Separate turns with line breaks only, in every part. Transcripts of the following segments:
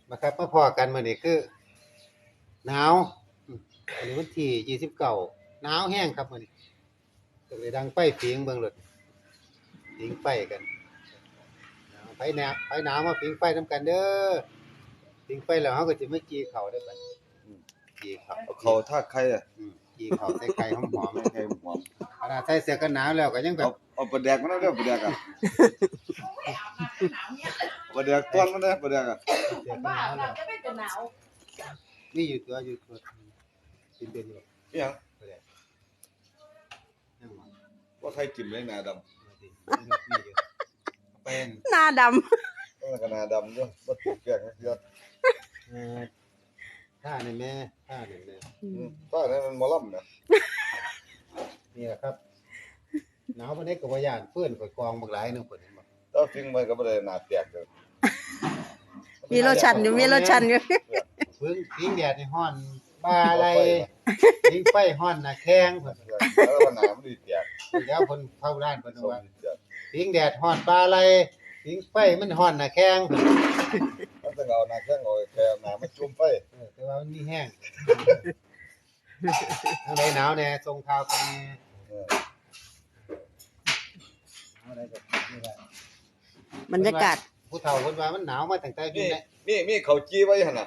มาครับมาพอกันมื้อนี้คือหนาวอันนี้วันที่29หนาวแห้งครับมื้อนี้ก็เลยดังไฟผิงเบิ่งรถผิงไฟกันหนาวไผหนาวมาผิงไฟนำกันเด้อผิงไฟแล้วเฮาก็สิมาจีข้าวได้บัดนี้จีข้าว
เอาเขาทากไข่อ่ะ
จีข้าวใส่ไข่หอม
ไข่หอม
ๆขนาดใส่เสื้อกันหนาวแล้วก็ยังแบบ
เอาปลาแดกมาแล้วเด้อปลาแดกอ่ะปลาแดกต้อนมาเด้อปลาแดกอ่ะ
เสื้อกันหนาวแล้วนี่อยู่ตัวกินเป็นอยู่
อีหยัง
บ่ได้ยังบ่
ว่าไข่จิ้มเลยหน้าดำ
เป็น
หน้าดำ
ต้องกหน้าดำด้วยบ่ถูกแกงเยอะ
ท่านี่แม่ท่านี่แม่
ป้าเนี่ยมันหมอลำนะ
นี่แหละครับหนาวปานนี้ก็บ่ย้านเพื่อนข่อยกองบักหลายนึงเพิ่นเห็นบ่
ถ้าฟิงมันก็บ่ได้หน้าแตกเด้อ
มีโลชั่นอยู่มีโลชั่นอยู่
พิงแดดนี่ฮ้อนบ่าอะไรพิงไฟฮ้อนน่ะแข้งเพิ่น
แล้วก็หน้ามันดีแตก
แล้วเพิ่นเข้าร้านเพิ่น
ส่ง
ว่า
ดีแตก
พิงแดดฮ้อนบ่าอะไรพิงไฟมันฮ้อนน่ะแข้งเพิ่น
มันต้องเอาหน้าแข้งเอาแค่หน้ามันจุ่มไฟ
แต่ว่ามันมีแห้งทางใดหนาวแน่ส่งข่าวกันแน่
เออ
เอาได้ก็นี่แหละ
บรรยากาศ
ผู้เฒ่าเพิ่นว่ามันหนาวมาตั้งแต่อยู่ใน
มีข้าวจี้ไว้หั่นน่ะ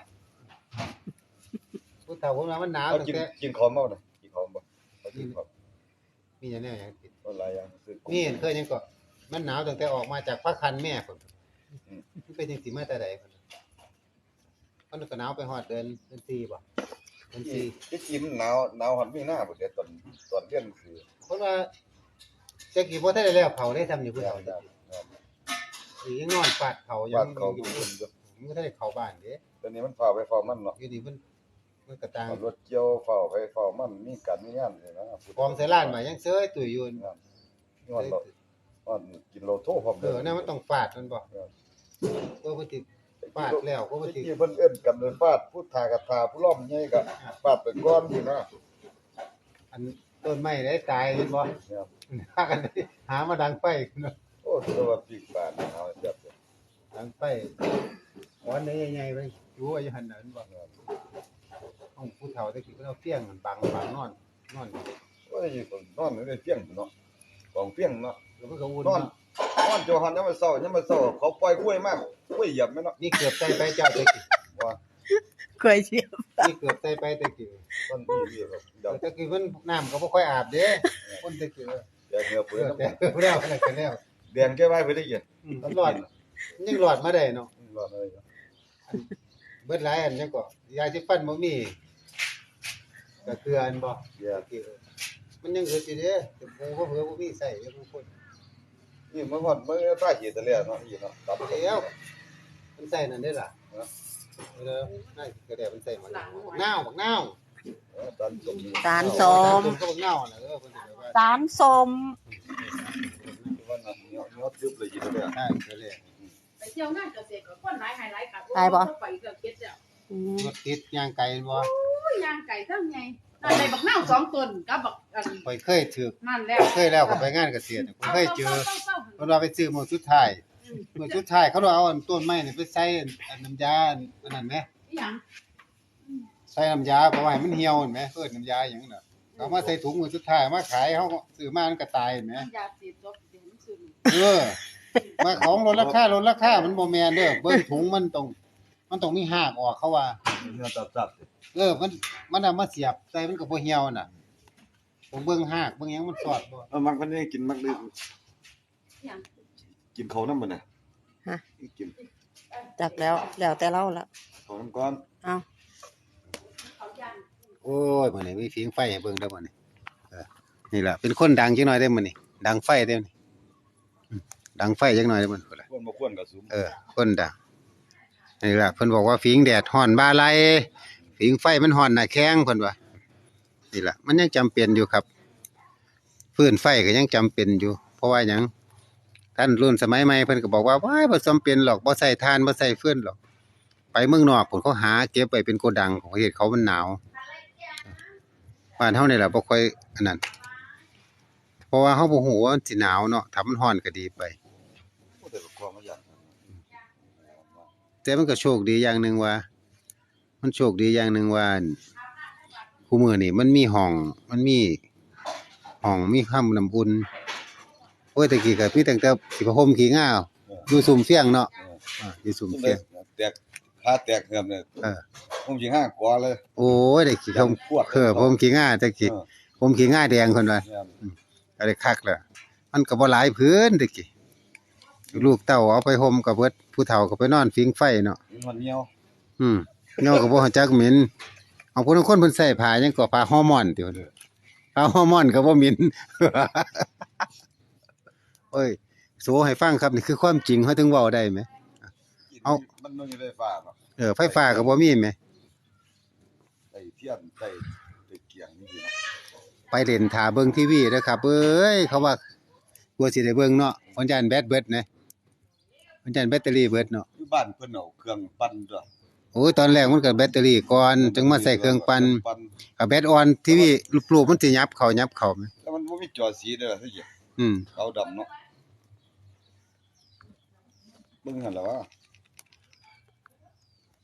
ผู้เฒ่าเพิ่นว่ามันหนาว
เอา
ตั้ง
กิน
แต่
กินข้าวบ่น่ะกินข้าวบ่เอากินข้าว
มีหยังแนวหยังติด
บ่หลายอย่างซื้อ
นี่เห็นเคยยังก็มันหนาวตั้งแต่ออกมาจากพระคันแม่พุ่นมันเป็นจังสิมาแต่ใดพุ่นมันก็หนาวไปฮอดเดือน4บ่เดือน4
ที่กินหนาวหันมีหน้าบ่เด้ตอนเรียนคือ
เพิ่นว่าจักสิบ่ทันได้แล้วเขาได้ทำอยู่ผู้เฒ่าจักสิยังนอนฟาดเขายั
บ้าน
ง
เขา
อยู่
ทุกคนอยู่
มันก็ได้เข้าบ้านเด้
ตอนนี้มันฝ่าไปฝ่ามันเนาะ
อยู่นี่มันก็ต่าง
รถเกี่ยวฝ่าไปฝ่ามันมีการมีงานนี่นะ
กองใส่ร้านมายังเซยตุ้ยอยู่
งานเรากินโลโทพร้อม
นั่นมันต้องฟาดมันบ่ก็บ่ติฟาดแล้วก็บ่ติ
ที่เพิ่นเอิ้นกันฟาดผู้ทากับทาผู้ล้อมใหญ่ก็ฟาดไปก่อนอยู่นะ
อันต้นไม้ได้ตายเห็นบ่
ครับ
พากันหามาดังไฟเนาะ
โอ้ตัวว่าปีกบาดเอาจับ
ดังไฟหอนได้ใหญ่ๆไปอยู่ว่าอยู่หั่นน่ะเห็นบ่ห้องผู้เฒ่าตะกี้เพิ่นเอาเฟียงมันบังนอน
โอ้ยคนนอนในเฟียงเนาะของเฟียงเนาะ
แล้วเพิ่นก็วุ่น
นอนโจหันยามมื้อเช้าเขาปล่อยกล้วยมากกล้วยเหยียบแม่เนาะ
นี่เกือบใส่ไปเจ้าตะกี้
ว่า
เคยเชียว
นี่เกือบใส่ไปตะกี้
ต้นอีครับเดี๋ยว
ตะกี้เพิ่นน้ำก็บ่ค่อยอาบเด้คนตะกี้
เดี๋ยวเหงื่อเปื้อน
แต่แล้วนั่นก็แล้ว
แดงแก้ไว้เพิ่นได้ยิน
มันรอดยังรอดมาได้เนาะ
รอดเลย
เบิดหลายอันจังก็ยาสิฟันบ่มีก็เกลืออันบ่
เดี๋ยว
มันยังเกิดอยู่เด้แต่บ่เผื่อบ่มีใส่ยังบ่คน
นี่มันฮอดมื้อตาเหียตะแล้วเนาะอีเนาะตับ
แล้วมันใส่นั่นได้ล่ะเออนั่นก็ได้มันใส่มาบักนาว
ตันสม
สารส้ม
ก็บักนาวน่ะเพิ่นสิว่า
สารส้ม
วันนั้นเนาะทึบเลยอีตะแล้ว
ใช่ก็เลย
ไปเที่ยวงานเกษตรก็คนหลายหายหลายค่ะไปเกือบเก็ดแล้ว
อืม
รถติดย่างไก่บ่
อุ้ยย่างไก่ทั้งไงนั่นได้บักนาว2ต้นกับบักอัน
ข่อยเคยถือ
นั่นแล้ว
เคยแล้วก็ไปงานเกษตรข่อยเคยเจอเพิ่นว่าไปซื้อมื้อสุดท้ายมื้อสุดท้ายเขาเอาอันต้นไม้นี่ไปใส่อันน้ำยาอันนั้นแหม
อีหยัง
ใส่น้ำยาเพราะว่าให้มันเหี่ยวเห็นไหมเอิ้นน้ำยาหยังน่ะเอามาใส่ถุงมื้อสุดท้ายมาขายเฮาก็ซื้อมามันก็ตายเห็นไหม
ยาสีดบเดี๋ยวมันซึม
เออมาของลดราคมันบ่แม่นเด้อเบิ่งถุงมันต้องมีหากออกเขาว่า
เนื้อตับ
เออมันเอามาเสียบใส่มันก็บ่เหี่ยวน่ะต้องเบิ่งหากเบิ่งหยังมันสอดบ่
มันคนนี้กินมักดื้อ
อีหยัง
กินเขาน้ำมันน่ะกิน
จักแล้วแต่เราละ
เขาน้ำก้อน
เอา
เขาย่าง
โอ้ยมื้อนี้มีผิงไฟให้เบิ่งเด้อมื้อนี้นี่ล่ะเป็นคนดังจังหน่อยเด้อมื้อนี้ดังไฟเด้อนี่ดังไฟจังหน่อยเด้อมื้อนี้
ควรบ่ควรก็สูง
คนดังนี่ล่ะเพิ่นบอกว่าผิงแดดฮ้อนบ่าไหลผิงไฟมันฮ้อนหน้าแข้งเพิ่นว่านี่ล่ะมันยังจำเป็นอยู่ครับฟืนไฟก็ยังจำเป็นอยู่ เพราะว่าหยังท่านรุ่นสมัยใหม่เพิ่นก็บอกว่าว้ายบ่จำเป็นหรอกบ่ใส่ถ่านบ่ใส่ฟืนหรอกไปเมืองนอกพุ่นเขาหาเก็บไว้เป็นโกดังของประเทศเขามันหนาวบ้านเฮานี่ล่ะบ่ค่อยอันนั้นเพราะว่าเฮาบ่ฮู้ว่ามันสิหนาวเนาะถ้ามันร้อนก็ดีไป
แต่ก็ความมาอย่าง
แต่มันก็โชคดีอย่างหนึงว่า มันโชคดีอย่างหนึงว่าคู่มื้อนี่มันมีห้องมีความน้ำอุ่นโอ้ยแต่กี้ก็มีตั้งแต่สิผ้าห่มขี้ง่าอยู่ซุ่มเฟียงเนาะอยู่ซุ่มเฟียง
แตกขาแตกเหือบเนี่ย
เออ
ผมสิห้ากว่าเลย
โอ้ยได้ขี้ผมผมขี้ง่าแต่กี้ผมขี้ง่าแดงเพิ่นว่า
เนี่ย
ก็ได้คักแล้วมันก็บ่หลายพื้นแต่กี้ลูกเต้าเอาไปห่มก็เบิดผู้เฒ่าก็ไปนอนฟิงไฟเนาะ
มันเหนียว
เงาก็บ่ฮู้จักเหม็นเอาผู้ลางคนเพิ่นใส่ผ้าหยังก็ผ้าฮอร์โมนติเพิ่นผ้าฮอร์โมนก็บ่เหม็น โอ้ยโสให้ฟังครับนี่คือความจริงเฮาถึงเว้าได้แหม เอา
มันบ่มีไฟฟ้าเนาะ
ไฟฟ้าก็บ่มีแหม
ไอ้เทียนใส่เกียงนี่ดีเนาะ
ไปเล่นท่าเบิ่งทีวีเด้อครับเอ้ยเขาว่ากลัวสิได้เบิ่งเนาะวันจันทร์แบตเบิดนะวันจันทร์แบตเตอรี่เบิดเนาะ
อยู่บ้านเพิ่นเอาเครื่องปั่นด้วย
โอ้ยตอนแรกมันก็แบตเตอรี่ก่อนจึงมาใส่เครื่องปั่นก็แบตอ่อนทีวีรูปๆมันสิยับเข้าแหม
แล้วมันบ่มีจอสีเด้อล่ะสิ
อืม
ขาวดำเนาะเบิ่งหั่นล่ะว่า